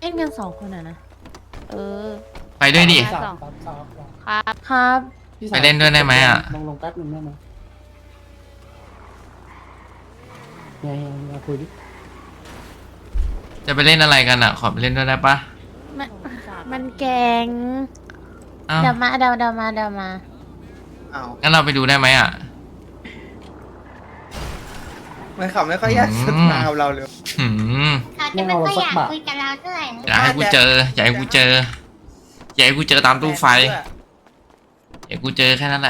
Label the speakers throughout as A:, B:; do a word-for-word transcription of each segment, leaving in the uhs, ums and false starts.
A: ล่นกันสองคนอะนะ เออ
B: ไปด้วยดิ
C: สามสามสาม
A: ครับ ครับ
C: พี่
B: ไปเล่นด้วยได้ไหมอะ
C: ลงลงแป๊บหนึ่งได้ไหมเฮียเฮียเฮียคุยดิ
B: จะไปเล่นอะไรกันอ่ะ ขอไปเล่นด้วยได้ปะ
A: มันมันแกง
B: อ้าว
A: เดี๋ยวมาเดี๋ยวเดี๋ยวมาเดี๋ยวมา
D: อ้าว
B: งั้นเราไปดูได้ไหมอ่ะ
D: มันขับไม่ค่อยอยาก
B: อืม
D: สนทนากับเราเลย
B: หืม
E: เขาจะไม่ค่อยอยากคุยกับเราเท่าไหร่นะ
B: อยากให้กูเจอ อยากให้กูเจอ อยากให้กูเจอตามตู้ไฟ อยากให้กูเจอแค่นั้นแหละ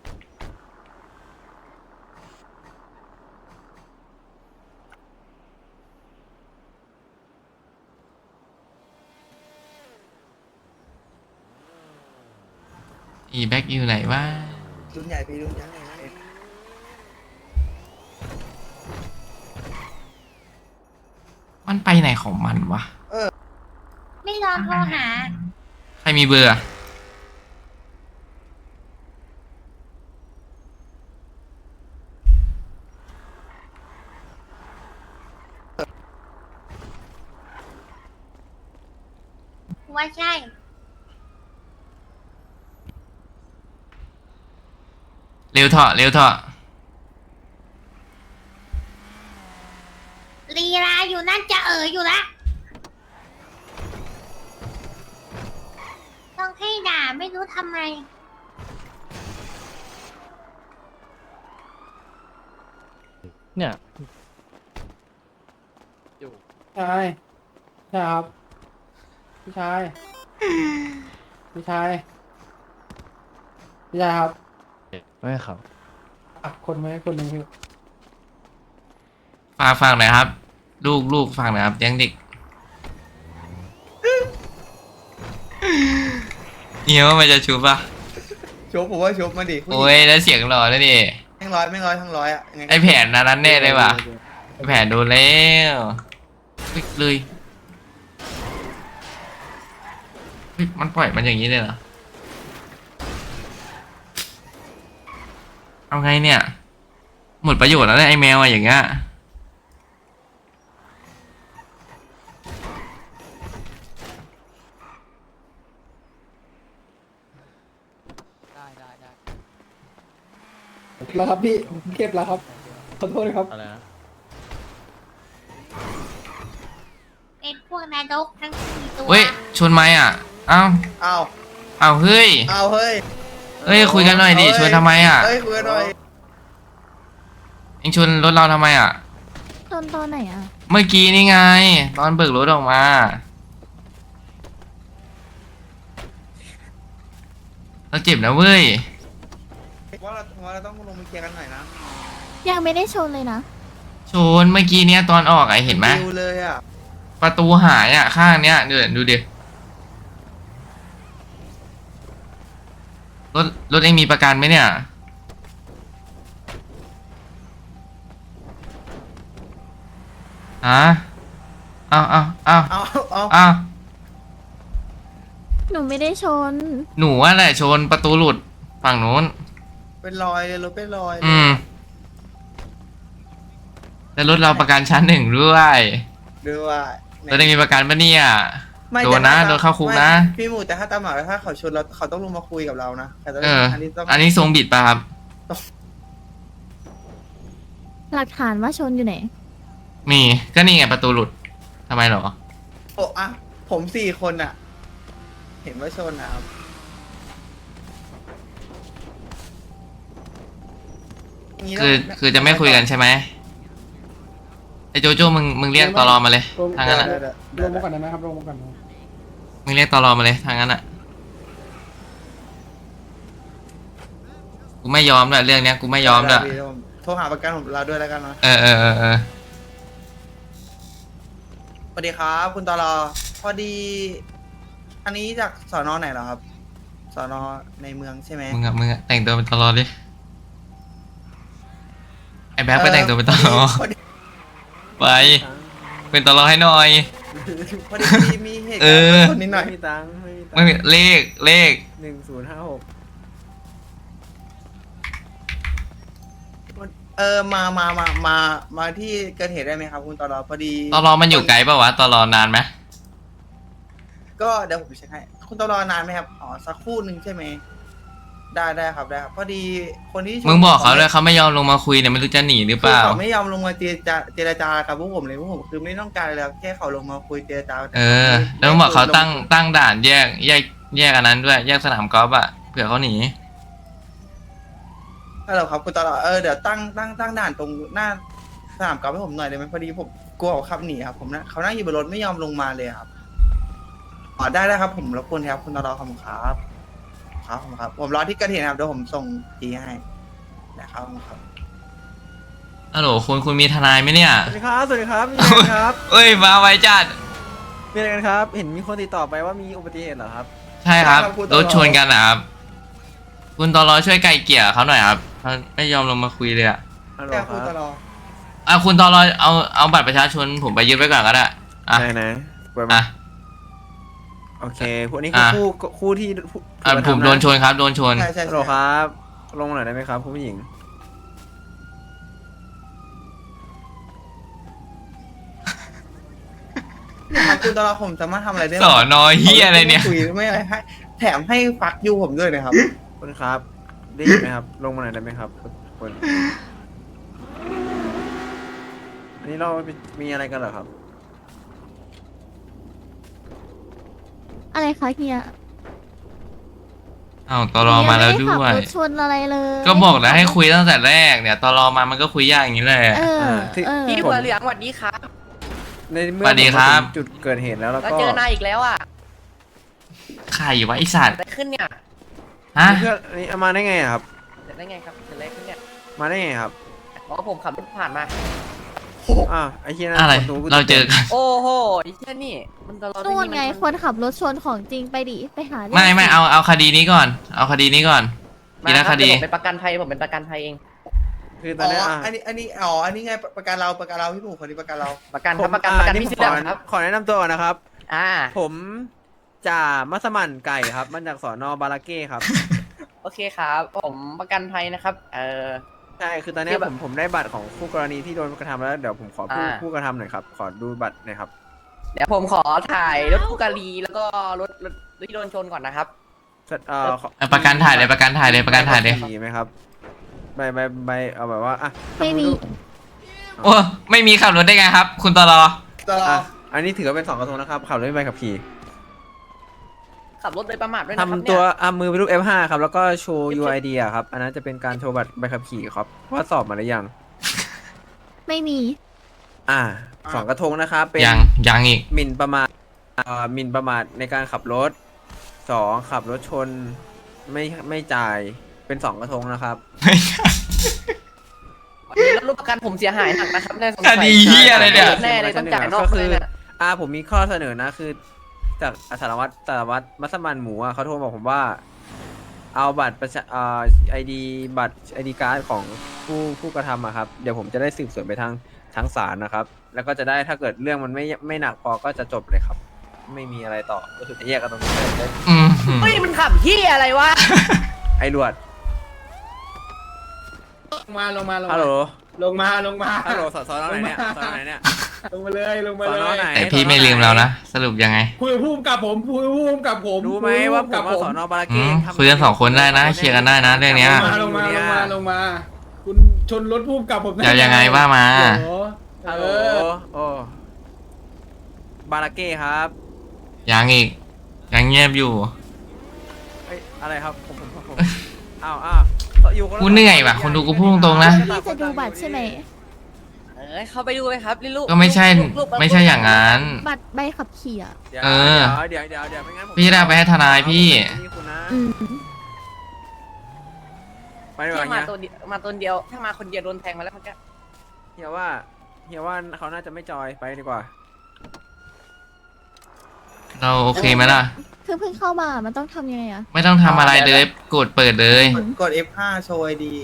B: อีแบ็กอยู่ไหนวะ
D: รุ่นใหญ่พี่รุ่นใหญ่
B: มันไปไหนของมันวะ
E: ไม่ลองโทรหา
B: ใครมีเบอร์อะ
E: ว่าใช่
B: เร็วเถอะเร็วเถอะ
E: ลีลาอยู่นั่นจะเอ๋ออยู่ละต้องให้ด่าไม่รู้ทำไม
F: เนี่ย
C: ชายใช่ครับพี่ชายพี่ชายพี่ชายครับ
F: ไม่ครับ
C: อ่ะคนไหมคนหนึ่งพี่
B: ฝากฟังหน่อยครับ ลูกลูกฟังหน่อยครับเลี้ยงเด็กเฮียว่ามันจะชูปะ
D: ชบผมว่าชบมาดิผู้หญิง
B: โอ้ยแล้วเสียงหล่อแล้วดิ
D: ทั้งร้อยไม่ร้อยทั้งร้อยอ่ะยังไง
B: ไอแผนนั้นนั้นแน่เลยว่ะไอแผนโดนแล้วปิ๊กเลยเฮ้ยมันปล่อยมันอย่างนี้เลยเหรอเอาไงเนี่ย หมดประโยชน์แล้วเนี่ยไอแมวอะอย่างเงี้ย
C: แล้วครับพี่ผมเก็บแล้วครับขอโทษนะครับ
F: อะไรนะ
E: เป็นพวกนายกทั้งสี่ตัว
B: เฮ้ยชวนไหมอ่ะ เอ้า
D: อ้าว
B: เอ้าเฮ้ย
D: อ้าวเฮ้ย
B: เฮ้ยคุยกันหน่อยดิชวนทำไมอ่ะ
D: เฮ้ยคุยกันหน่อย
B: เอ็งชวนรถเราทำไมอ่ะ
A: ตอนตอนไหนอะ
B: เมื่อกี้นี่ไง ตอนเบิกรถออกมา เราเจ็บนะเว้ย
D: ว่าเราว่าเราต้องลงไปเคลียร์กันหน่อยนะ
A: ยังไม่ได้ชนเลยนะ
B: ชนเมื่อกี้เนี้ยตอนออกไอะเห็นไหม
D: ดูเลยอ่ะ
B: ประตูหายอ่ะข้างเนี้ยเดี๋ยวดูดิรถรถเองมีประกันไหมเนี่ยฮะเอาเอาเอา
D: เอาเอา
B: เอา
A: หนูไม่ได้ชน
B: หนูว่าแหละชนประตูหลุดฝั่งนู้น
D: เป็นรอยเลยรถเป็นรอยเลย
B: อืมแล้วรถเราประกันชั้นหนึ่งด้วย
D: ดูว่า
B: เราได้มีประกันปะเนี่ย
D: ไม่
B: โดนนะ
D: แต่ถ้
B: โดนเข้าคุกนะ
D: ไม่พี่หมูแต่ถ้าตามหมายถ้าเขาชนเราเขาต้องลงมาคุยกับเรานะแต่ตอน
B: เอ
D: นี้
B: อ
D: อันนี้ต้อง
B: อันนี้ทรงบิดป่ะครับ
A: หลักฐานว่าชนอยู่ไหน
B: มีก็นี่ไงประตูหลุดทำไมเหรอ
D: โอ้อะผมสี่คนอ่ะ เห็นว่าชนนะครับย่างนี้ต้
B: คือ
D: ง
B: คือจะไม่คุยกันใช่ไหมไอโจโจ้มึงมึงเรียกตอรอมาเลย
C: ลง
B: ทางนั้นอ่ะ
C: ลงมาก่อนได้ไหมครับลงมาก่อนนะ
B: มึงเรียกตอรอมาเลยทางนั้นอ่ะกูไม่ยอมด้วยเรื่องเนี้ยกูไม่ยอมด้วย
D: ได้พี่ผมโทรหาประกันผมเราด้วยแล้วกันเนาะ
B: เออเออเออเออ
D: สวัสดีครับคุณตลอพอดี อันนี้จากสอนอไหนเหรอครับสอนอในเมืองใช่ไหม
B: มึงอะมึงอะแต่งตัวเป็นตอรอดิไอแบ๊กไปแต่งตัวเป็นตอรอ
D: พอดี
B: ไปเป็นตอรอให้หน่อย
D: พอดีมีมีเหตุ
B: เอ
D: การ
B: อ
D: ณ์คนนิดหน่อย
F: ไม่มีตังค์ไม่มีตัง
B: ไม่มี
F: ค์
B: เลขเลข
F: หนึ่งศูนย์ห้าหก
D: เออมามามามามาที่เกิดเหตุได้ไหมครับ คุณตลอพอดี
B: ตอรอมันอยู่ไกลป่าวะตอรอนานไหม
D: ก็เดี๋ยวผมเช็คให้คุณต้องรอนานไหมครับอ๋อสักครู่หนึ่งใช่ไหมได้ได้ครับได้ครับพอดีคนที่ชน
B: มึงบอกเขาเลยเขาไม่ยอมลงมาคุยเนี่ยไม่รู้จะหนีหรือเป
D: คือ
B: ล่า
D: เขาไม่ยอมลงมาเจรจาเจรจากับพวกผมเลยพวกผมคือไม่ต้องการอะไรแล้วแค่เขาลงมาคุยเจรจา
B: เออ แล้วมึงบอกเขาตั้งตั้งด่านแยกแยกแยกอันนั้นด้วยแยกสนามกอล์ฟอะเผื่อเขาหนี
D: ฮัลโหลครับคุณตลอดเออเดี๋ยวตั้งตั้งตั้งด่านตรงหน้าสนามกอล์ฟให้ผมหน่อยได้ไหมพอดีผมกลัวเขาขับหนีครับผมนะเขานั่งอยู่บนรถไม่ยอมลงมาเลยครับอ๋อได้ได้ครับผมรบกวนครับคุณตลอดขอบคุณครับครับผมครับผมรอที่เกระเทียนครับเดี๋ยวผมส่งจีให้นะครับผมครับ
B: ฮัลโหลคุณคุณมีทนายไหมเนี่ย
F: สวัสดีครับ สวัสดีครับมีอะไรกันครับ
B: เอ้ยมาไวจัด
F: มีอะไรกันครับ เห็นมีคนติดต่อไปว่ามีอุบัติเหตุเหรอครับ
B: ใช่ครับ
D: ใช่ครับคุณตล
B: ร
D: อ
B: ถชนกันนะครับ คุณตอรอช่วยไก่เกลี่ยเขาหน่อยครับเขาไม่ยอมลงมาคุยเลยอะ
F: ฮัลโหล
D: แค่
F: ค
D: คุณต
F: รับ
D: ลอด
B: อ่ะคุณตอรอเอาเอาบัตรประชาชนผมไปยึดไว้ก่อนก็ได้อ่ะ
F: ไหนไหนเปิด
B: อ่ะ
F: มาโอเคพวกนี้คือ
B: อ่ะ
F: คู่คู่ที่ผู้
B: อ่ะ
F: ถูกกระ
B: ผม
F: ทำะ
B: โดนชนครับโดนชน
D: ใช่ใช่
F: ฮัลโหล
D: ใช่
F: ครับ ลงหน่อยได้ไหมครับคุณผู้หญิง
D: ครับคุณตลอดผมสามารถทำอะไรได้ไหม
B: สอนอเฮียอะไรเนี่ย
D: คุยไม่อะไรให้แถมให้ฟักยูผมด้วยนะครับ
F: คุณครับ ได้ยินไหมครับ ลงมาหน่อยได้ไหมครับคุณอันนี้เรามีอะไรกันเหรอครับ
A: อะไรคะเฮีย
B: อ้าวตอรอมาแล้วด้
A: เฮี
B: วย
A: ไม่ได้ขับรถชนอะไรเลย
B: ก็บอกแล้วให้คุยตั้งแต่แรกเนี่ยตอรอมามันก็คุยยากอย่างนี้แหละ
A: เออ
F: อ่าที่
A: เออ
G: พี่หัวเหลืองสวัสดีครับ
F: ในเมื่อ
B: สวัสดีครับ
F: ผมมาถึงจุดเกิดเหตุแล้วแล้ว
G: เรา
F: ก็
G: เจอนายอีกแล้วอ่ะ
B: ใครวะไอสัตว์
G: อะไรขึ้นเนี่ย
B: ฮะ
F: เพื่อนอันนี้เอามาได้ไงอะครับ
G: เกิดได้ไงครับเกิดอะไรขึ้นเนี่ย
F: มาได้ไงครับ
G: อ๋อผมขับรถผ่านมา
F: อ่าวไอ้เชี่ยนั่น
B: อะไร
F: คนดูกู
B: เราเจอกัน
G: โอ้โหไอ้เช่นนี่มันตลอด
A: นู่นไงคนขับรถชนของจริงไปดิไปหารื่อง
B: ไม่ไม่เอาเอาคดีนี้ก่อน เอาคดีนี้ก่อน
G: มา
B: ทีละ
G: ค
B: ครับ ดี
G: เดี๋ยวผมเป็นประกันภัยผมเป็นประกันภัยเอง
F: คือตอ
D: อ๋
F: น
D: อ
F: เนี้ยอ่ะ
D: อันนี้ อันนี้ อ๋อ อันนี้ไง ประกันเรา ประกันเรา พี่หมูคนนี้ประกันเรา
G: ประกันครับ
F: ผม
G: ประกัน
F: อ่า
G: ประกัน
F: นี่
G: พี่
F: ผม
G: เสื้อ
F: ขอ
G: ดำครับ
F: ขอแนะนำตัวก่อนนะครับ
G: อ่า
F: ผมจ่ามัสมั่นไก่ครับมาจากสอนอบาราเก้ครับ
G: โอเคครับผมประกันภัยนะครับเออ
F: ใช่คือตอนเนี้ย
G: คือแบบ
F: ผมผมได้บัตรของคู่กรณีที่โดนกระทำแล้วเดี๋ยวผมขอผู้
G: อ่า
F: ผู้กระทำหน่อยครับขอดูบัตรหน่อยครับ
G: เดี๋ยวผมขอถ่ายรถคู่กาลีแล้วก็รถรถที่โดนชนก่อนนะครับ
F: เอ่อขอ
B: เอาประกันถ่ายเลยประกันถ่ายเลยประกันถ่ายเลย
F: ใบขับขี่ไหมครับใบใบใบเอาแบบว่าอ่ะ
A: ไม่มี
B: โอ้ไม่มีขับรถได้ไงครับ คุณตลอ
D: ตลอ
F: อ่ะ
D: ด
F: อันนี้ถือว่าเป็นสองกระทงนะครับขับรถไม่ใบขับขี่
G: ขับรถโดยประมาทด้วยนะครับ
F: ทำ
G: เนี่
F: ตัวย อ่ะมือเป็นรูป เอฟ ห้า ครับแล้วก็โชว์ ยู ไอ ดี อ่ะครับอันนั้นจะเป็นการโชว์บัตรใบขับขี่ครับว่าสอบมาหรือยัง
A: ไม่มี
F: อ่าสองกระทงนะครับเป็น
B: ยังยังอีก
F: หมิ่นประมาทเอ่อหมิ่นประมาทในการขับรถสองขับรถชนไม่ไม่จ่ายเป็นสองกระทงนะครับ
G: วันนี้รถประกันผมเสียหายหนักนะครับในสงสัย
B: คดีเหี้ยอะไรเนี่ย
G: แน่เลยต้องจ่ายนอก
F: ก็
G: เล
F: คื
G: ย
F: อ
G: เนี่ย
F: อ่าผมมีข้อเสนอนะคือ จากสารวัตรสารวัตรมัสมั่นหมูอ่ะเขาโทรบอกผมว่า เอาบัตรประชาอ่าไอดีบัตรไอดีการ์ดของผู้ผู้กระทำอะครับเดี๋ยวผมจะได้สืบสวนไปทางทางศาลนะครับ แล้วก็จะได้ถ้าเกิดเรื่องมันไม่ไม่หนักพอก็จะจบเลยครับ ไม่มีอะไรต่อก็คือจะแยกกันตรงนี้เลย
B: อืม
G: เฮ้ยมันขับเฮียอะไรวะ
F: ไอ้รวด
C: ลงมา ลงมา ลง
F: ฮัลโหล
C: ลงมา ลงมา
F: ฮัลโหลสอสอไหนเนี่ยสอไหนเนี่ย
C: ลงมาเลย ลงมา
F: ส
C: เล
F: อนอย ไหน
B: แต่พี่ไม่ลืมเรานะ สรุปยังไง
C: คุยกับผู้กำกับผมคุยกับผู้กำกับผม
F: รู้ไหมว่าผม
C: กับ
F: มา
C: ผม
F: สอนอบารา
B: อื
F: เก้
B: ม
F: ทำ
B: คุยกันสองคนได้นะเคลียร์กันได้นะเรื่องเนี้ย
C: ลงมา ลงมา ลงมา ลงมา คุณชนรถผู้กำกับผมด้
B: จะยังไงว่ามา
C: โอ้โห
F: ฮัลโหล
C: เออ
F: โอ้บาราเก้ครับ
B: ยังอีก ยังเงียบอยู่
F: เอ้ยอะไรครับผมผมผมอ้าวอ้าวอยู่คนละ
B: กูเหนื่อยว่ะคนดูกูพูดตรงๆนะ
A: พี่จะดูบัตรใช่ไหม
G: เออเข้าไปดูไหมครับลิลูก
B: ก็ไม่ใช่
G: ลูกลูก
B: ไม่ใช่อย่างนั้น
A: บัตรใบขับขี่อ่ะ
F: เดี๋ยว
B: เออ
F: เดี๋ยวเดี๋ยวเดี๋ยวเดี๋ยวไม่งั้นผม
B: พี่ได้เอาไปให้ทนายพี่
F: นี่คุณนะ
A: อืม
F: ไปดีก
G: ถ้า
F: ว่า
G: มา
F: เฮีย
G: ตัวเดียวมาตัวเดียว ถ้ามาคนเดียวโดนแทงมาแล้วเมื่อกี้
F: เฮียว่าเฮียว่าเขาน่าจะไม่จอยไปดีกว่า
B: เราโอเคไหมล่ะ
A: คือเพิ่งเข้ามามันต้องทำยังไงอ่ะ
B: ไม่ต้องทำอะไรเลย กดเปิดเลย
D: กดกด เอฟ ห้า โชว์ ไอ ดี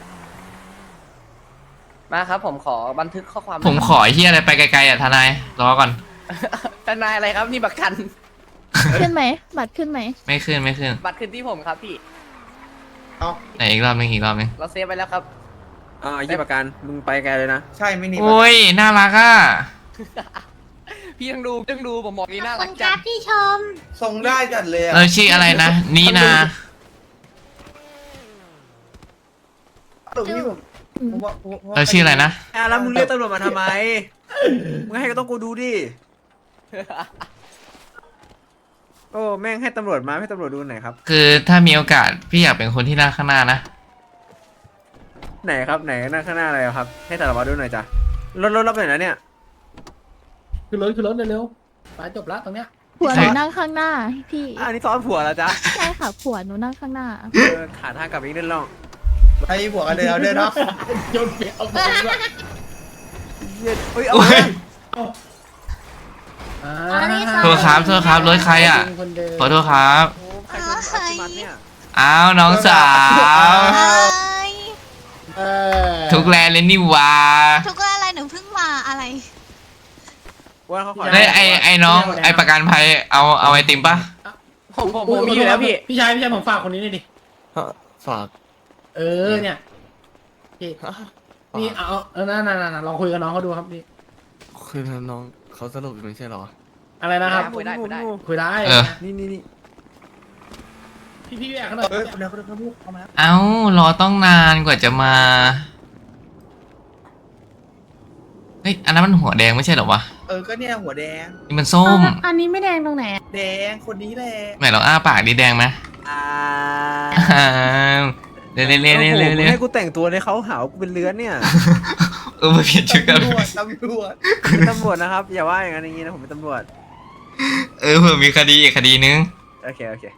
G: มาครับผมขอบันทึกข้อความ
B: ผมขอไอ้เฮียอะไรไปไกลๆอ่ะทนาย รอก่อน
G: ทนายอะไรครับนี่ประกัน
A: ขึ้นไหม บัตรขึ้นไหม
B: ไม่ขึ้นไม่ขึ้น
G: บัตรคืนที่ผมครับพี่
D: เอา
B: ไหนอีกรอบนึงอีกรอบนึง
G: เราเซฟไปแล้วครับ
F: อ่าไอ้เหี้ยประกันมึงไปไกลเลยนะ
D: ใช่ ไม่หนี
B: โอ้ย น่ารักอ่ะ
G: พี่ต้องดูพี่ต้องดูผมบอกนี่น่า
E: ขอบ
G: รั
E: คุ
G: ก
E: ณค
G: จั
E: รั
G: ด
E: บที่ชม
D: ทรงได้จัดเลยอะ
B: เราชื่ออะไรนะนีนา
D: หลวงพี่ผมผมว่าผมว่า
B: เราชื่ออะไรนะ
F: อ่ะแล้วมึงเรียกตำรวจมาทำไม มึงให้ก็ต้องกูดูดิ โอ้แม่งให้ตำรวจมาให้ตำรวจดูหน่อยครับ
B: คือถ้ามีโอกาสพี่อยากเป็นคนที่นั่งข้างหน้านะ
F: ไหนครับไหนนั่งข้างหน้าอะไรครับ ให้สารวัตรดูหน่อยจ้ะรถรถรับหน่อยนะเนี่ย
C: คือรถคือรถเร็วๆไปจบละตรงเนี้ย
A: ผัวห
B: ใช่
A: นูนั่งข้างหน้าพี่
F: อะอันนี้ซ้อนผัวแล้วจ้ะ
A: ใช่ค่ะผัวหนูนั่งข้างหน้า
F: เออขาทางกลับอีกนิดลอง
D: ไอ้หัวกันเลยเอาเด้อเนาะ
C: โยนเปียกเอาไปด้วย
F: เย็นเฮ้ยเอา
B: โอ้ย
C: อ่า
E: อันนี้ค่ะ
B: โทษครับโทษครับรถใครอ่ะ
C: คนเดิม
B: ขอโทษครับ
F: โอ้ใครชนอัลติมัสเนี่ย
B: อ้าวน้องสาว
C: เออ
B: ทุกแลนเลยนี่หวา
H: ทุกอะไรหนูเพิ่งมาอะไร
F: ว่าเขาขอ
B: เฮ้ยไอไอน้องไอประกันภัยเอาเอาไอติมปะ
G: ผมผมผมมีอยู่แล้วพี่
C: พี่ชายพี่ชายผมฝากคนนี้หน่อยดิ
I: ฝาก
C: เออเนี่ยพี่นี่เอาเอาเออนั่นนั่นนั่นลองคุยกับน้องเขาดูครับพี่
I: คือน้องเขาสรุปไม่ใช่เหรอ
C: อะไรนะครับ
G: คุยได้คุยได้
C: คุยได้
B: เออ
F: นี่นี่นี่
C: พี่พี่แอบเขาหน่อย
D: เออเดี๋ยวเดี๋ยวเดี๋ยวลูกเอามาแล้ว
B: เอ้ารอต้องนานกว่าจะมาเฮ้ยอันนั้นมันหัวแดงไม่ใช่เหรอวะ
D: เออก็เนี่ยหัวแดง
B: นี่มันส้ม
A: อันนี้ไม่แดงตรงไหน
D: แดงคนนี้แหละ
B: ไหนลองอ้าปากดิแดงไหม
F: อ่า
B: อ้าวเร็วเร็วเร็วเร็วเร็วเร็ว
F: ให้กูแต่งตัวในเขาหาว่ากูเป็นเลื้อนเนี่ย
B: เออมาเปลี่ยนชุดกัน
D: ตำรวจตำรวจ
F: เป็นตำรวจนะครับ อย่าว่าอย่างนั้นอย่างนี้นะผมเป็นตำรวจ
B: เออเผื่อมีคดีอีกคดีนึง
F: โอเคโอเค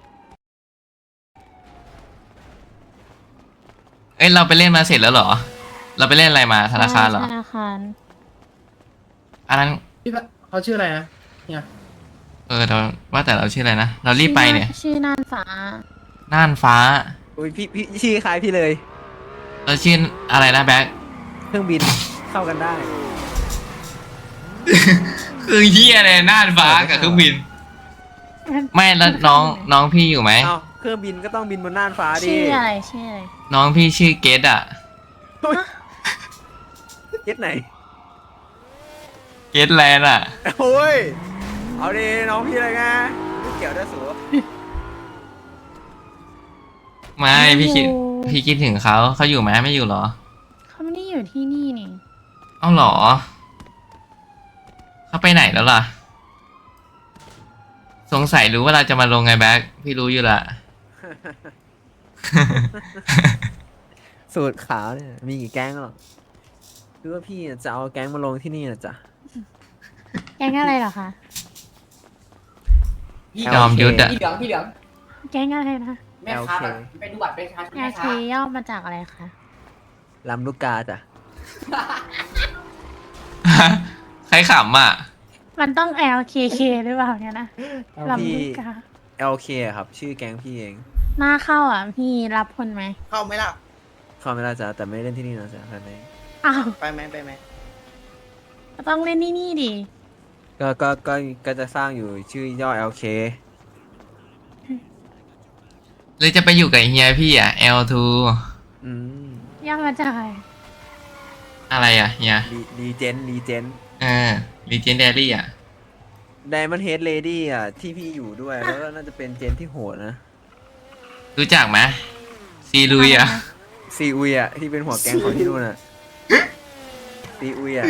B: เอ้ยเราไปเล่นมาเสร็จแล้วเหรอ เราไปเล่นอะไรมาธนาคารเหรอ
A: ธนาคาร
B: อันนั้น
C: พี่เขาชื่ออะไรนะเนี่ย
B: เออเราว่าแต่เราชื่ออะไรนะ เรารีบไปเนี่ย
A: ชื่อน่านฟ้า
B: น่านฟ้า
F: อุ้ยพี่พี่ชื่อคล้ายพี่เลย
B: เราชื่ออะไรนะแบ็ค
F: เครื่องบินเข้ากันได้
B: คือเฮียอะไรน่านฟ้ากับเครื่องบิน ไม่แล้วน้องน้องพี่อยู่ไหม
F: เอ้าเครื่องบินก็ต้องบินบนน่านฟ้าดิ
A: ชื่ออะไรชื่ออะไร
B: น้องพี่ชื่อเกตอะ
F: เก็ตไหน
B: เกตแลนด์อะ
F: โอ้ย เอาดิน้องพี่อะไรไงไม่เกี่ยวด้วยสู
B: ไม่พี่คิดพี่คิดถึงเขาเขาอยู่ไหมไม่อยู่เหรอ
A: เขาไม่ได้อยู่ที่นี่นี่
B: เอ้าเหรอเขาไปไหนแล้วล่ะ สงสัยรู้ว่าเราจะมาลงไงแบ็คพี่รู้อยู่ละ
F: สูตรขาวเนี่ยมีกี่แก๊งหรอคือว่าพี่จะเอาแก๊งมาลงที่นี่นะจ๊ะ
A: แก๊งอะไรเหรอคะ
G: พี่
B: จอมยุทธอะ
G: พี่เหลืองพี่เหลือง
A: แก๊งอะไรนะ
G: แม่ค้าแบบไปดูบัตรประชาชน
A: แอ
G: แม่
A: ร์เค
G: ค้า
A: ย่อมาจากอะไรคะ
F: ลำลูกกาจ้ะ
B: ใครขำอ่ะ
A: มันต้อง แอล เค เค หรือเปล่าเนี่ยนะลำลูกกา
F: แอล เค ครับ ชื่อแก๊งพี่เอง
A: หน้าเข้าอ่ะ พี่รับคนไหม
D: เข้าไหมล่ะ
F: เข้าไม่ได้จ้ะแต่ไม่ได้เล่นที่นี่นะจ๊ะท่านเอง
A: อ้าว
D: ไปไหมไปไหม
A: ก็ต้องเล่นที่นี่ดิ
F: ก็ก็ก็ก็จะสร้างอยู่ชื่อย่อ แอล เค
B: เลยจะไปอยู่กับเฮียพี่อ่ะ แอล ทู
F: อืม
A: ย่อมาจากอะไร
B: อะไรอ่ะเฮีย
F: รีรีเจนรีเจน
B: เออ Legendary อ่ะ
F: ไดมอนด์เฮดเลดี้อ่ะ ที่พี่อยู่ด้วย แล้วก็น่าจะเป็นเจนที่โหดนะ
B: รู้จักไหมซีลุยอ่ะ
F: ซีอุยอ่ะ ที่เป็นหัวแก๊งของที่นู่นอ่ะซีอุยอ่ะ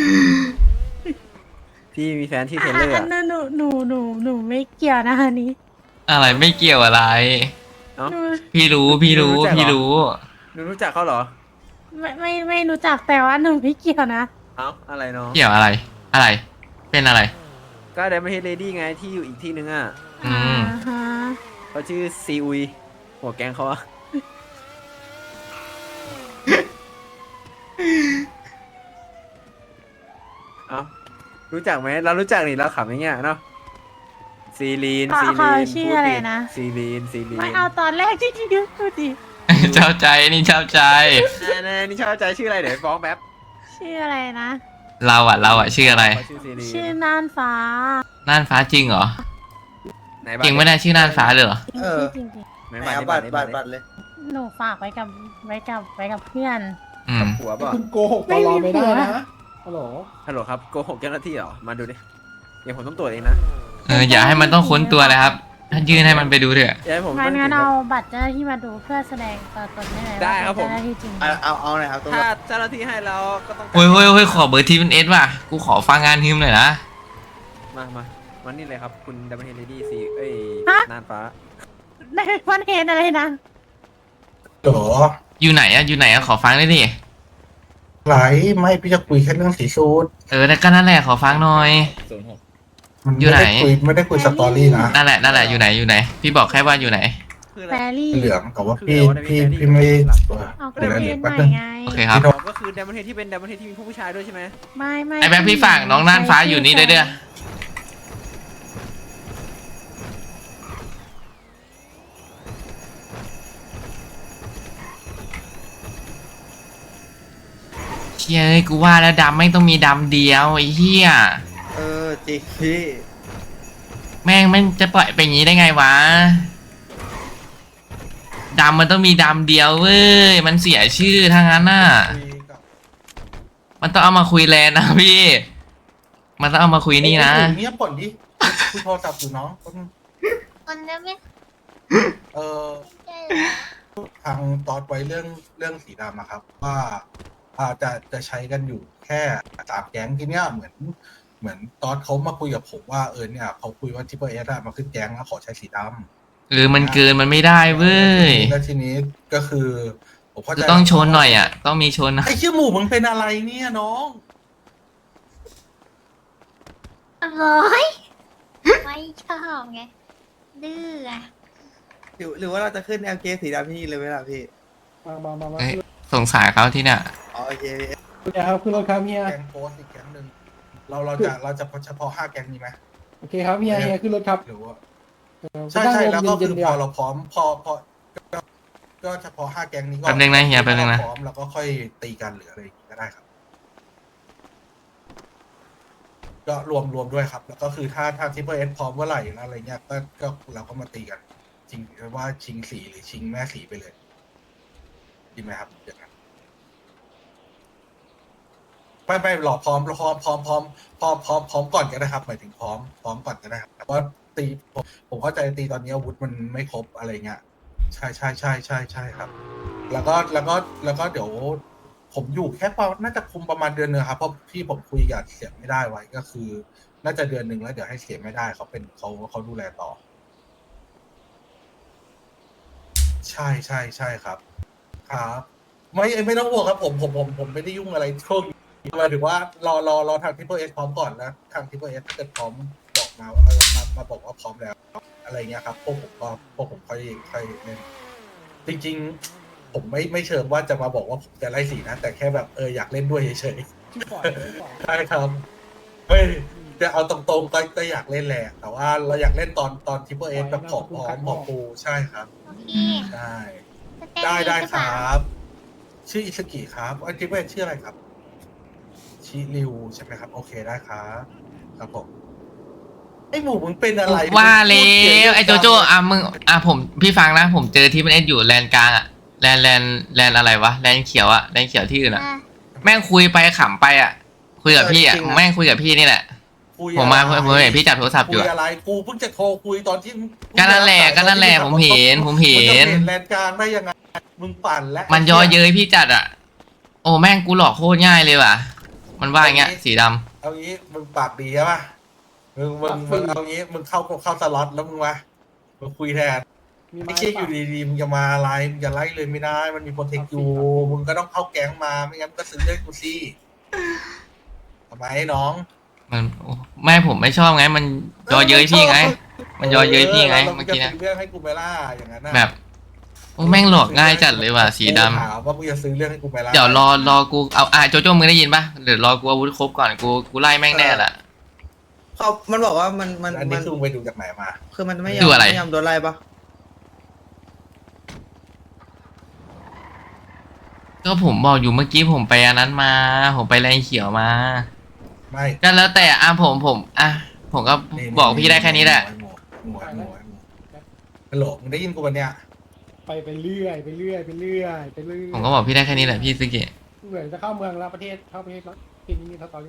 F: พี่มีแฟนที่เทเลอร์
A: อั
F: อ่ะ
A: นนั้นหนูหนูหนูหนูไม่เกี่ยวนะอันนี้
B: อะไรไม่เกี่ยวอะไร
F: เอ้า
A: หนู
B: พี่รู้พี่รู้
F: รู้จักเหรอ
B: พี่รู้
F: หนูรู้จักเขาเหรอ
A: ไม่ไม่ไม่รู้จักแต่ว่าหนูไม่เกี่ยวนะ
F: เอ้า อะไรเนาะ
B: เกี่ยวอะไร อะไร เป็นอะไร
F: ก็ไดมอนด์เฮดเลดี้ไงที่อยู่อีกที่นึงอ่ะ
B: อืม
A: อ่าฮะ
F: เขาชื่อซีอุย หัวแก๊งเขาอะ เอ้า รู้จักไหม เรารู้จักนี่เราขำอย่างเงี้ยเนาะ ซีลีน
A: เขา
F: ซี
A: เขา
F: ลีน
A: ชื่ออะไรนะ
F: ซีลีน ซีลีน
A: ไม่เอาตอนแรกที่ที่ดูดิ
B: เจ้าใจนี่เจ้าใจ
F: แน่ๆนี่ชอบใจชื่ออะไรเดี๋ยวฟ้องแป๊บ
A: ชื่ออะไรนะ
B: เราอ่ะเราอ่ะชื่ออะไร
F: เขาชื่อซีลีน
A: ชื่อน่านฟ้า
B: น่านฟ้าจริงเหรอ
F: ไหน
B: จริงไม่ได้ชื่อน่านฟ้าเลยเหรอ
D: เออ
A: จริงจริง
F: ไหน
D: ไหน
F: บัตร
D: เอา
F: นี่
D: บัตร
F: นี่
D: บัตรบัตรเลย
A: ๆหนูฝากไว้กับไว้กับไว้กับเพื่อน
B: อืม
F: หัวเปล่ะ
C: คุณโกหกตลอดไม่ได้นะฮัลโหล
F: ฮัลโหลครับโกหกเจ้าหน้าที่เหรอ มาดูดิเดี๋ยวผมต้องตรวจเองนะ
B: เอออย่าให้มันต้องค้นตัวเลยครับถ้ายื่นให้มันไปดูเถอะ
F: อย่าให้ผม
A: งั้
F: ต้อน ง
A: งั้น
F: ถึง
A: เอา
F: ครับ
A: บัตรเจ้าหน้าที่มาดูเพื่อแสดงตัวตนได้เลย
F: ได้
A: ว่า
F: ครับผม
A: เป็นเจ้าหน้าที่จริง
D: เอาเอาเอาหน่อยครับตัว
F: ถ้าเจ้าหน้าที่ให้แล้วก็ต้อง
B: โอ้ยโอ้ยโอ้ยขอเบอร์ทีเป็นเอสว่ะกูขอฟังงานฮิมหน่อยนะ
F: มามามานี่เลยครับคุณดับเบิลเฮดเลดี้ซีเอ้ยนานฟ้า
A: ได้วันเห็นอะไรนะ
C: โห
B: อยู่ไหนอะอยู่ไหนอะขอฟังได้ดิ
C: ไหลไม่พี่จะคุยแค่เรื่องสีสูตร
B: เออแล้วก็นั่นแหละขอฟังหน่อย
C: มัน
B: อยู่ไหน
C: ม่ด้คุยไม่ได้คุยสตอรี่นะ
B: นั่นแหละนั่นแหละอยู่ไหนอยู่ไหน พี่บอกแค่ว่าอยู่ไหน
F: คืออะ
A: แฟ
F: ไร
A: รี่
C: เหลืองแต่ว่า
F: คือ
C: พี่
F: อะไรวะ
C: พี่
F: ใน
C: พี่ไม่
A: เอาก
C: เดี๋
A: ระ
C: ยว
A: เที
C: เดี๋
A: ย
C: ย
A: น
C: ว
A: ให
C: แป๊บ
A: ม่
C: นึง
A: ไง
B: โอเคครับ
F: อ๋อก็คือดับเบิลเฮดที่เป็นดับเบิลเฮดที่มีผู้ผู้ชายด้วยใช่ไหม
A: ไม่ไม่
B: ไอ้แบงค์พี่ฝากน้องน่านฟ้าอยู่นี่ด้วยเด้อ เชี่ยเอ้ยกูว่าแล้วดำไม่ต้องมีดำเดียวไอ้เหี้ย
D: เออจริงพี่
B: แม่งมันจะปล่อยไปอย่างนี้ได้ไงวะดำมันต้องมีดำเดียวเว้ยมันเสียชื่อทางนั้นน่ะ
C: คุยกับ
B: มันต้องเอามาคุยแลนนะพี่ มันต้องเอามาคุยนี่นะ
C: เอ้ยเงียบก่อนดิคุยโทรศัพท์อยู่น้อง
E: คนจะไม่
C: เออ
E: ใช่เหรอ
C: ทางตอดไว้เรื่องเรื่องสีดำอะครับ ว่าอาจจะจะใช้กันอยู่แค่สามแก๊งทีเนี้ยเหมือน เหมือนตอดเขามาคุยกับผมว่าเออเนี่ยเขาคุยว่าทิปเปอร์เอสอะมาขึ้นแก๊งแล้วขอใช้สีดำ
B: เออมันเกินมันไม่ได้เว้ย
C: แล้วทีนี้ก็คือผมเข้าใจ
B: จะต้องชนหน่อยอ่ะ ต้องมีชนนะ
C: ไอ้เชี่ยหมูมึงเป็นอะไรเนี่ยน้อง
E: ร้อยไม่ชอบไงดื้ออะ
D: หรือหรือว่าเราจะขึ้น แอล เค สีดำที่นี่เลยไหมล่ะพี่
C: มามามามา
B: เอ้ยสงสารเขาที่เนี่ย
D: อ๋อโอเคพี่
C: เดี๋ยวครับคือเราครับเฮียแก๊งโพสอีกแก๊งหนึ่งเราเราจะเราจะเฉพาะห้าแก๊งนี้ไหม
J: โอเคครับเฮียเฮียขึ้นรถครับ
C: หรือว่า
J: เออ
C: ใช่ใช่แล้วก็
J: เย็
C: คื
J: น
C: อ
J: ๆเดี
C: พ
J: ยว
C: อเราพร้อมพอพอก็ก็เฉพาะห้าแก๊งนี้ก่อน
B: แป๊บนึงนะเฮียแป๊บนึงนะ
C: พร้อมแล้วก็ค่อยตีกันหรืออะไรอย่างงี้ก็ได้ครับ ก็รวมรวมด้วยครับ แล้วก็คือถ้าถ้าทิปเปอร์เอสพร้อมเมื่อไหร่แล้วอะไรเงี้ยก็ก็เราก็มาตีกันจริงว่าชิงสีหรือชิงแม่สีไปเลยดีไหมครับอย่างนั้นไม่ไม่หลอกพร้อมพร้อมพร้อมพร้อมพร้อมพร้อมพร้อมก่อนก็ได้ครับหมายถึงพร้อมพร้อมก่อนก็ได้ครับแต่ว่าตีผมผมเข้าใจตีตอนนี้อาวุธมันไม่ครบอะไรเงี้ยใช่ใช่ใช่ใช่ใช่ครับ แล้วก็แล้วก็แล้วก็เดี๋ยว ผมอยู่แค่ประมาณน่าจะคุมประมาณเดือนหนึงครับเพราะที่ผมคุยกับเสียไม่ได้ไว้ก็คือ น่าจะเดือนหนึ่งแล้วเดี๋ยวให้เสียไม่ได้เขาเป็นเขาเขาดูแลต่อ ใช่ใช่ใช่ครับ ครับ ไม่ไม่ต้องห่วงครับผมผมผมผมไม่ได้ยุ่งอะไรช่วงนี้หมายถึงว่ารอรอรอทางทิปเปอร์เอสพร้อมก่อนแล้วทางทิปเปอร์เอสถ้าเกิดพร้อมบอกมาว่าเออมามาบอกว่าพร้อมแล้ว อะไรเงี้ยครับพวกผมก็พวกผมค่อยค่อยเล่นจริงๆ ผมไม่ไม่เชิงว่าจะมาบอกว่าผมจะไล่สีนะ แต่แค่แบบเอออยากเล่นด้วยเฉย
J: ชื่อก่อนชื่อก่อน
C: ๆใช่ครับเฮ้ยจะเอาตรงๆก็ก็อยากเล่นแหละ แต่ว่าเราอยากเล่นตอนตอนทิปเปอร์เอสแบบผอมพร้อมผอมปูใช่ครับ
E: โอเค
C: ใช่
E: สเต้น
C: ได้ได้
E: หรือ
C: ค
E: เป
C: ร
E: ล่า
C: ับ ชื่ออิสกิครับอันทิปเปอร์เอสชื่ออะไรครับ ชิริวใช่ไหมครับ โอเคได้ครับครับผมไอหมูมึงเป็นอะไร
B: ว่าแล้
C: มึงพูดเสียว
B: ไอ้โจโจ้อ่ะมึงอ่ะผมพี่ฟังนะ ผมเจอที่มันเอสอยู่แลนกลางอ่ะแลนแลนแลนอะไรวะแลนเขียวอ่ะแลนเขียวที่อื่นอ่ะ
E: อ่ะ
B: แม่งคุยไปขำไปอ่ะ คุยกับพี่อ่ะแม่งคุยกับพี่นี่แหละ
C: คุย
B: ผมมา
C: อะไร
B: ผมเห็นพี่จับโทรศัพท์อยู่
C: คุย
B: อะ
C: อะไรกูเพิ่งจะโทรคุยตอนที่
B: ก็นั่นแหละก็นั่นแหละผมเห็นผมเห็น
C: มึงจะแลนกลางได้ยังไงมึงปั่นและ
B: มันย่อเย้ยพี่จัดอ่ะ โอ้แม่งกูหลอกโคตรง่ายเลยว่ะ มันว่าอย่างเงี้ยสีดำ
C: เอางี้มึงปากดีใช่ปะมึงมึงมึงเอางี้มึงเข้าเข้าสล็อตแล้วมึงมามึงคุยแทน
J: มี
C: ไม่
J: ไม้
C: ใช่อ
J: เปล่า
C: ยู่ดีๆมึงจะมาไล่มึงจะไล่เลยไม่ได้ มันมีโปรเทคอยู่มึงก็ต้องเข้าแก๊งมาไม่งั้นก็ซื้อเรื่องกูสิทำไมน้อง
B: มันโอ้แม่ผมไม่ชอบไง มันย่อเย้ยพี่ไง มันย่อเย้ยพี่ไง
C: แล้ว
B: เมื่อ
C: จะ
B: กี้นะ
C: ซื้อเรื่องให้กูไหมล่ะอย่างนั้นน่ะ
B: แบบโอ้แม่งหลอกง่ายจัดเลยว่ะสีดำ
C: กูถามว่ามึงจะซื้อเรื่องให้กูไหมล่ะ
B: เดี๋ยวรอรอกูเอาอ่ะโจโจ้มึงได้ยินปะเดี๋ยวรอกูอาวุธครบก่อนกูกูไล่แม่งแน่ละ
D: เขามันบอกว่ามันมัน
C: อัน
D: มั
C: นี้
D: น
C: คือมึงไปดูจากไหนมา
D: คือมันไม่ยอ
B: ดู
D: ม
B: อะไร
D: ไม่ยอมโดนไล่ปะ
B: ก็ผมบอกอยู่เมื่อกี้ผมไปอันนั้นมา ผมไปแรงเขียวมา
C: ไม่
B: ก็แล้วแต่อ่ะผมผมอ่ะผมก็
C: นี่
B: บอกพี่ได้แค่นี้แหละ
C: หมวหมวหมวหมวฮัลโหลมึงได้ยินกูปะเนี่ย
J: ไปไปเรื่อยไปเรื่อยไปเรื่อยไปเรื่อย
B: ผมก็บอกพี่ได้แค่นี้แหละพี่ซึกิ
J: เหมือนจะเข้าเมืองแล้วประเทศเข้าประเทศแล้วกินนี่สตอรี่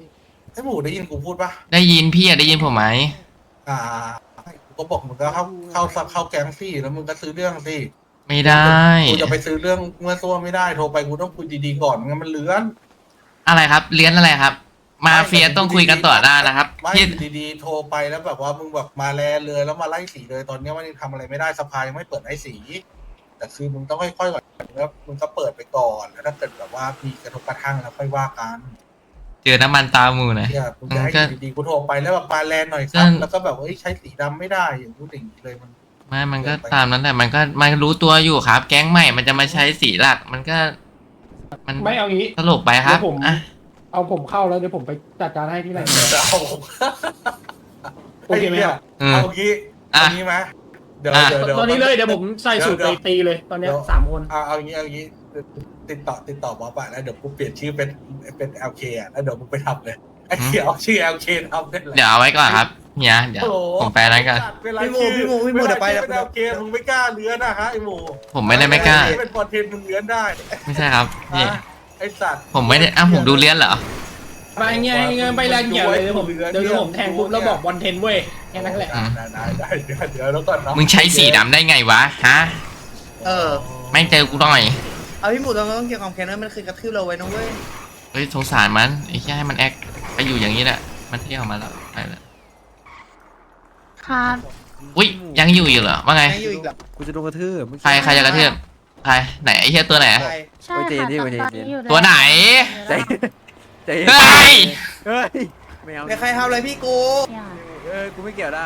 C: ไอ้หมูได้ยินกูพูดปะ
B: ได้ยินพี่อะได้ยินผมไหม
C: อ่ากูก็บอกมึงก็เข้าเข้าเข้าแก๊งสิแล้วมึงก็ซื้อเรื่องสิ
B: ไม่ได้
C: กูจะไปซื้อเรื่องเมื่อตัวไม่ได้โทรไปกูต้องคุยดีๆก่อนงั้นมันเลื้อน
B: อะไรครับเลี้ยนอะไรครับ มาเฟียต้องคุยกันต่อหน้านะครับ
C: ไม่
B: พี่
C: อยู่ดีๆโทรไปแล้วแบบว่ามึงแบบมาแลเลยแล้วมาไล่สีเลยตอนนี้มันยังทำอะไรไม่ได้สภายังไม่เปิดไล่สี แต่คือมึงต้องค่อยๆก่อนแล้วมึงก็เปิดไปก่อนแล้วถ้าเกิดแบบว่ามีกระทบกระทั่งแล้วค่อยว่ากัน
B: เจอน้ำมันตาหมูนะ
C: เนี่ยมึงจะให้
B: ก็
C: อยู่ดีๆกูโทรไปแล้วแบบมาแลหน่อยครับ
B: ก็
C: แล้วก็แบบว่าเอ้ยใช้สีดำไม่ได้อย่างนู้นอย่างนี้เลยมัน
B: ไม่มันก็ตามนั้นแหละมันก็มันรู้ตัวอยู่ครับ แก๊งใหม่มันจะมาใช้สีหลัก มันก็ มัน
J: ไม่เอางี้
B: ตลกไปครับ
J: เดี๋ยวผม
B: อ่ะ
J: เอาผมเข้าแล้วเดี๋ยวผมไปจัดการให้ที่ไหน
C: เอา
J: โอเคไหมครับ
B: อืม
C: เอางี้
B: อ่ะ
C: เอางี้ไหมเดี๋ยว
B: อ่ะ
C: เดี๋ยวดี๋ว
J: ตอนนี้เลยเดี๋ยวผมใส่สูตรไปตีเลย ตอนเนี้ยสามคน
C: เอาเอางี้เอางี้ติดต่อติดต่อบอสไปแล้วเดี๋ยวกูเปลี่ยนชื่อเป็นเป็น แอล เค อ่ะแล้วเดี๋ยวมึงไปทำเลยไอ้เขียวชื่อ แอล เค ทำได้เลย
B: เดี๋ยวเอาไว้ก่อนครับเฮียเดี๋ยว
C: โอ้โห
B: ผมไปนั้นกัน
C: เวลา
D: พี่หมู
C: ชื่อ
D: พี่หมูพี่หมู
C: วลา
D: เดี๋ยวไป
C: ชื่อ
D: เดี๋ยว
C: เป็น แอล เค มึงไม่กล้าเลื้อนนะฮะไอ้หมู
B: ผมไม่ได้ไม่กล้า
C: เป็นคอนเทนต์มึงเลื้อนได้
B: ไม่ใช่ครับพี่
C: ฮะไอ้สัตว์
B: ผมไม่ได้อ้าวผมดูเลี้ยนเหรอ
J: ไปเงี้ยเงี้ยไปแรงเกี่ยวเลยเดี๋ยวผมเดี๋ยวผมแทงปุ๊บแล้วบอกบอลเทนเว้ยแค่นั้นแหละ
C: ได้ได้ได้เดี๋ยวเดี๋ยวแล้วก่อนเนาะ
B: มึงใช้สีดำได้ไงวะฮะ
D: เออ
B: ไม่เจอกูหน่อย
D: เอาพี่หมูตอนนั้นต้องเกี่ยวกับแคนเนอร์มันคือกระทืบเราไว้นะเว้ย
B: เฮ้ยสงสารมันไอ้แค่ให้มันแอคไปอยู่อย่างนี้แหละมันเที่ยวมาแล้วไปแล้ว
A: ครับ
B: อุ้ยยังอยู่อยู่เหรอว่าไง
D: ยังอยู่อีกเหรอ
F: กูจะโดนกระทืบมึง
B: ใครใครจะกระเทืบใครไหนไอ้เหี้ยตัวไหน
D: ใคร
A: ใช่
F: โอ้ยเจ
A: ค่ะ
F: นี่
A: ต
F: โอ้
A: อน
F: ยเจ
A: นี้อยู่
B: ตัวไหน
F: ใจใจเย็น
B: เฮ้ย
F: เฮ้ยไม่เอา
D: ไม่ใครทำอะไรพี่กู
A: อย่า
F: เออกูไม่เกี่ยวนะ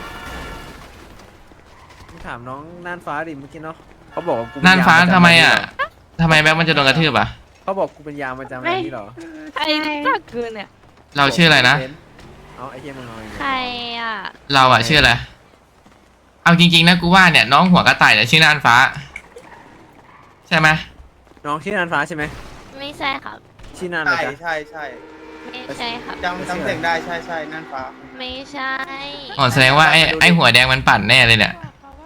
F: มึงถามน้องน่านฟ้าดิเมื่อกี้เนาะเขาบอกว่ากูเป็
B: น่านฟ้า
F: ยมประจำ
B: ทำไมอ่ะ
F: เหร
B: ทำไมแบ็คมันจะโดนกระทืบอ่ะ
F: เขาบอกกูเป็นยามประจำอะไรนี่เหรอ
E: ใครจักคืนเนี่ย
B: เราชื่ออะไรนะ
F: เอาไอ้เหี้ยมึงเอาอีก
E: ใครอ่ะ
B: เราอ่ะชื่ออะไรเอาจริงๆนะกูว่าเนี่ยน้องหัวกระต่ายเนี่ยชื่อน่านฟ้า ใช่ไหม
F: น้องชื่อน่านฟ้าใช่ไหม
E: ไม่ใช่ครับ
F: ชื่อน่านอะไร
D: ใช่
F: จ๊ะ
D: ใช่ใช่
E: ไม่ใช่ครับ
D: จำจำเสียงได้ใช่ใช่นั่นฟ้า
E: ไม่ใช่
B: อ๋อแสดงว่าไอ้ไอ้หัวแดงมันปั่นแน่เลยเนี่ย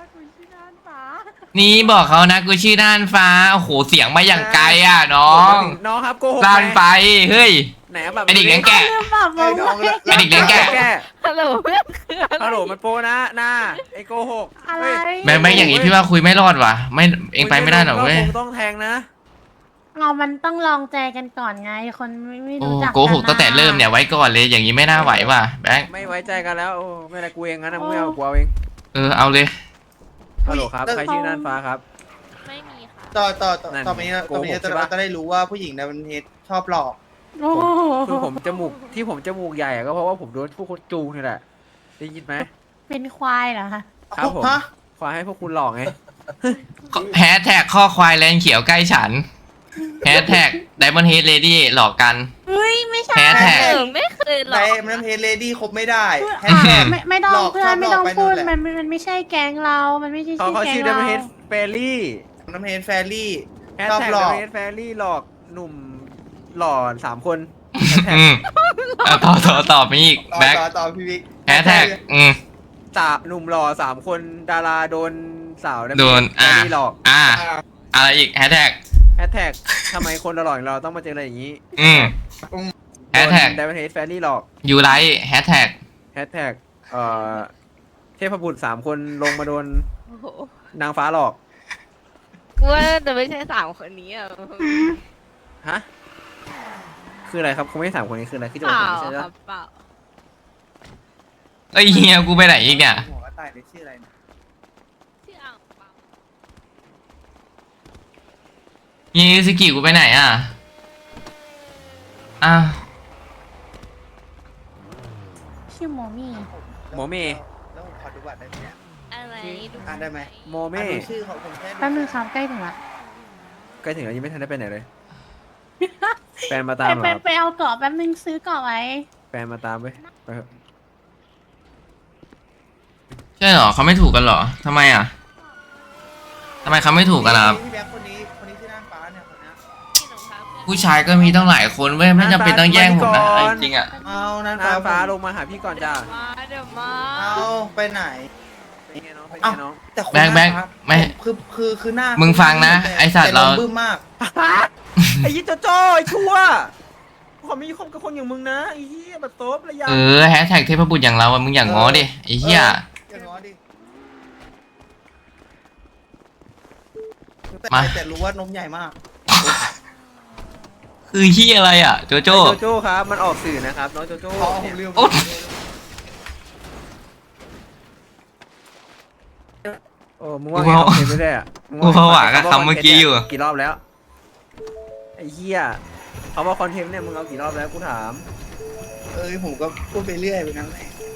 B: นี่บอกเขานะกูชื่อน่านฟ้าโอ้โหเสียงมาอย่างไกลอ่ะน้อง
F: น้องครับโกหก
B: ลานไปเฮ้ย
F: ไหนอะแบบ
B: ไอเด็กเลี้ยงแกะ
A: ลืมบอก
D: ไอ้น้องละ
B: ไอ้เด็กเลี้ยงแกะ
F: แกะ
E: ฮัลโหลเพื่อนคืออะไร
F: ฮัลโหลมันโปนะหน้าไอ้โกหก
A: อะไร
F: เฮ้ย
B: แบงค์แบงค์อย่างนี้พี่ว่าคุยไม่รอดว่ะไม่เองไปไม่ได้หรอกเว้ย
F: คงต้องแทงนะ
A: เอามันต้องลองใจกันก่อนไง คนไม่ไม่
B: โอ้
A: รู้จัก
B: โกหกตั้งแต่เริ่มเนี่ยไว้ก่อนเลยอย่างนี้ไม่น่าไหวว่ะแบงค์
F: ไม่ไว้ใจกันแล้วโอ้ไม่เป็นไรกูเองงั้นนะมึงไม่เอากูเอาเอง
B: เออเอาเลย
F: ฮัลโหลครับใครชื่อน่านฟ้าครับ
E: ไม่มีค่ะ
D: ต่อต่อต่อ
F: นั่น
D: ต่อไปนี้
F: โก
D: ต่อ
F: ห
D: ไป
F: ก
D: นี้
F: ใช่
D: จะ
F: ปะ
D: จะได้รู้ว่าผู้หญิงในประเทศชอบหลอก
A: โอ้โห
F: คือผมจมูกที่ผมจมูกใหญ่อะก็เพราะว่าผมโดนพวกคนจูงนี่แหละได้ยินไหม
A: เป็นควายเหรอคะ
F: ครับผม
D: ฮะ
F: ควายให้พวกคุณหลอกไง
B: แฮชแท็กข้อควายแลนเขียวใกล้ฉันแฮชแท็กไดมอนด์เฮดเลดี้หลอกกัน
A: เฮ้ยไม่ใช่
B: แฮชแท็ก
E: เออไม่เคยหร
D: ใน
E: อก
D: มันเพจเลดี้คบไม่ได้
A: พูด
D: แฮชแท็ก
A: ไม่ไม่ต้อง
D: หลอก
A: เพื่อ
D: ชอน บ
A: ไม่ต้อง
D: หลอกไป
A: พูด
D: นู่นแหละ
A: มันมันไม่ใช่แก๊งเรา มันไม่ใช่
F: เขา
A: ชื่อ
F: เขา
A: แก๊
F: ชื่
A: ง
F: อ
A: เรา
F: ดัมเฮดเฟรลี่
D: น้ำเพจแฟรี่
F: แฮช
D: ชอบ
F: แท็ก
D: หล
F: ดั
D: อ
F: ม
D: ก
F: เฮดเฟรลี่หลอกหนุ่มหล่อสามคน
B: อืมเอาต่อต่อต่อไปอีก
D: ต่อ
B: แบ็ค
D: ต่อต่อพี่วิก
B: แฮชแท็กอืม
F: สาหนุ่มหล่อสามคนดาราโดนสาว
B: โดนอ่า
F: หลอก
B: อ่าอะไรอีกแฮชแท็ก
F: แฮชแท็กทำไมคนหล่อๆอย่างเราต้องมาเจออะไรอย่างนี้
B: อืมแฮชแท็ก
F: ดัมเฮดเฟรลี่หลอก
B: ยูไลท์แฮชแท็ก
F: แฮชแท็กเอ่อเทพบุตรสามคนลงมาโดน
E: โอ้โห
F: นางฟ้าหลอก
E: กูว่าแต่ไม่ใช่สามคนนี้อ่ะ
F: ฮะคืออะไรครับคงไม่ใช่สามคนนี้คืออะไรคือจะ
E: เป
F: บอก
E: ล่า
F: ผมไม่ใช่
E: ค
F: แล้
E: รั
F: ว
E: บเปล่า
B: เอ้ยเฮียกูไปไหนอีกเนี่ย
D: หัวกระต่ายนี่ชื่ออะไรนะ
E: ชื่ออ่างเปล่า
B: ยีสกิกูไปไหนอ่ะอ้าว
A: ชื่อโมมี่
F: โมเม
D: แล้วผมขอดูบัตรได้ไหมเนี่ย
E: อะไรดู
D: อ่านได้ไหม
F: โมเม
D: อ่านดูชื่อเขาผมแค่
A: แป๊บนึงครับใกล้ถึงละ
F: ใกล้ถึงแล้วยังไม่ทันได้ไปไหนเลย แฟนมา
A: ไป
F: ตามเหร
A: ไป
F: อครับ
A: ไปเอาเกาะแป๊บนึงซื้อเกาะไว้
F: แฟนมาตามไปไปเถอะ
B: ใช่เหรอเขาไม่ถูกกันเหรอทำไมอ่ะทำไมเขาไม่ถูกกันล่ะครับ
D: พี่แบ๊คคนนี้คนนี้ชื่อน้ำฟ้าเนี่ยคนเนี้ย
E: ที่หนูพาเพื่อน
B: ผู้ชายก็มีต้องหลายคนเว้ยไม่จำเป็นต้องแย่งผมนะเอาจริงๆอ่ะ
D: เอานั่น
F: นางฟ้า
D: ผม
F: ลงมาหาพี่ก่อนจ้า
E: มาเดี๋ยวมา
D: เอาไปไหน
F: ไปไงน้องไปไง
D: เอ้า
F: น้อง
D: แต่คน
B: แบงค์แบงค์
D: น่ารัก
B: ไม่
D: คือคือคือหน้า
B: มึงฟังนะ
D: แต่
B: ไอ้สัตว์เรา
D: แต่บึ้มมาก
F: ไอ้ยี่โจโจ้ไอ้ชั่วโคขอไม่คบกับคนอย่างมึงนะไอ้เหี้ยแบบโต๊บระยะ
B: เออแฮชแท็กเทพบุตรอย่างเราอะมึงอย่างง้อดิไอ้เหี้ย
D: อย่างน้อยดิ
B: มา
D: แต่รู้ว่านมใหญ่มาก
B: คือเหี้ยอะไรอ่ะโจโจ้
F: โจโจ้ครับมันออกสื่อนะครับน้องโจโจ้
D: อ๋อผมลืม
B: โอ๊ย
F: โอ้มึงว่าไงเอาเพลงไม่ได้อะมึง
B: กู
F: ว่าไง
B: ผวากับคำเมื่อกี้อยู่
F: กี่รอบแล้วไอ้เหี้ยเขาว่าคอนเทนต์เนี่ยมึงเอากี่รอบแล้วกูถาม
D: เอ้ยผมก็พูดไปเรื่อยไปงั้นแหละ